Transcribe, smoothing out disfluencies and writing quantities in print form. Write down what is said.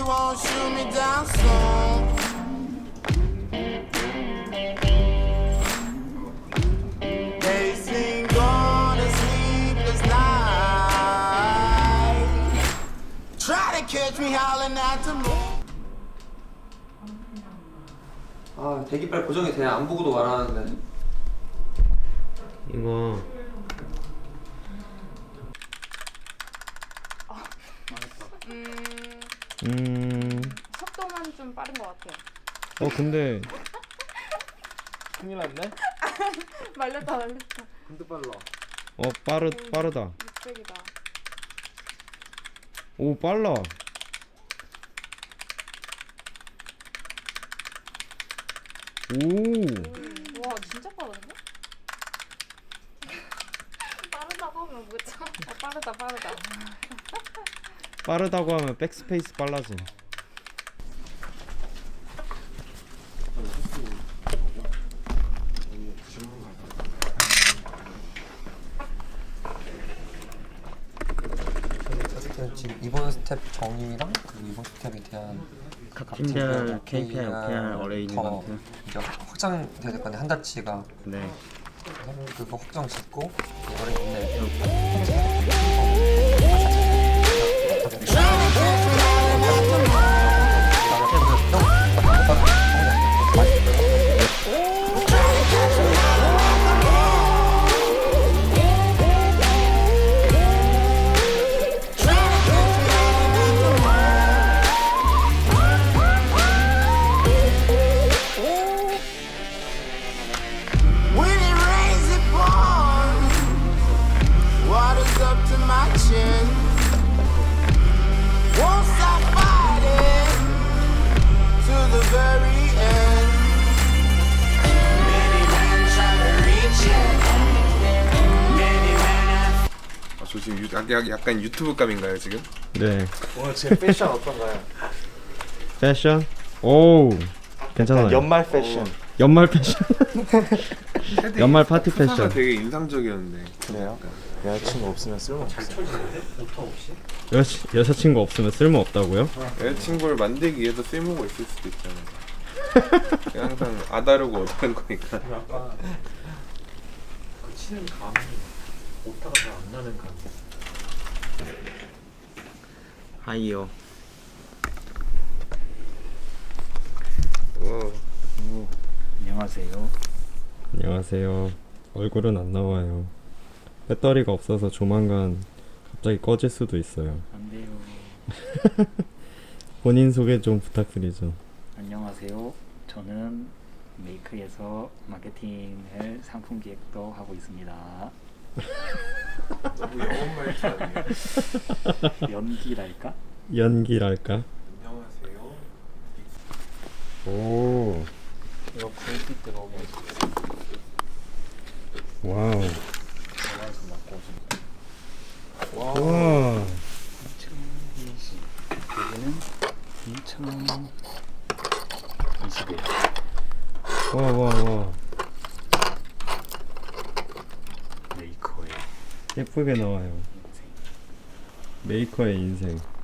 won't shoot me down soon. They sing on a sleepless night. Try to catch me howling at the moon. 아, 대기빨 고정이 돼. 안 보고도 말하는데. 이거 속도만 좀 빠른 것 같아요. 근데 큰일 났네? 말렸다. 근데 빨라. 빠르다. 600이다. 오, 빨라. 오, 와 진짜 빠른데? 빠르다고 하면 뭐죠? 빠르다. 빠르다고 하면 백스페이스 빨라짐. 지금 이번 스텝 정의랑 그리고 이번 스텝에 대한 팀별 KPI, OPR, 더 어레인지먼트. 이제 확장돼야 될 건데 한 달치가 네. 그거 확정 짓고 이거를 있네. When it rains, it pours. Water's up to my chin. Won't stop fighting to the very end. Many men try to reach it. Many men have. 저 지금 약간 유튜브 감인가요 지금? 네. 오늘 제 패션 어떤가요? 패션? 오, 괜찮아요. 연말 패션. 연말 패션. 연말 파티 수사가 패션. 되게 인상적이었는데. 그래요? 여자친구 없으면 쓸모없어요. 여자친구 없으면 쓸모 없다고요? 여자친구를 만들기 위해서 쓸모가 있을 수도 있잖아요. 그냥 항상 아다르고 어다른 거니까. 약간 그 치는 감이 오타가 잘 안 나는 감. 하이요. 안녕하세요. 안녕하세요. 얼굴은 안 나와요. 배터리가 없어서 조만간 갑자기 꺼질 수도 있어요. 안 돼요. 본인 소개 좀 부탁드리죠. 안녕하세요. 저는 메이크에서 마케팅을 상품 기획도 하고 있습니다. 너무 영혼 말투 아니에요? 연기랄까? 연기랄까? 안녕하세요. 오, 이거 굴빛 들어오게 와우. 전화해서 맡고 좀. 와. 와, 2020. 여기는 2021. 와. 메이커의 예쁘게 나와요. 인생. 메이커의 인생.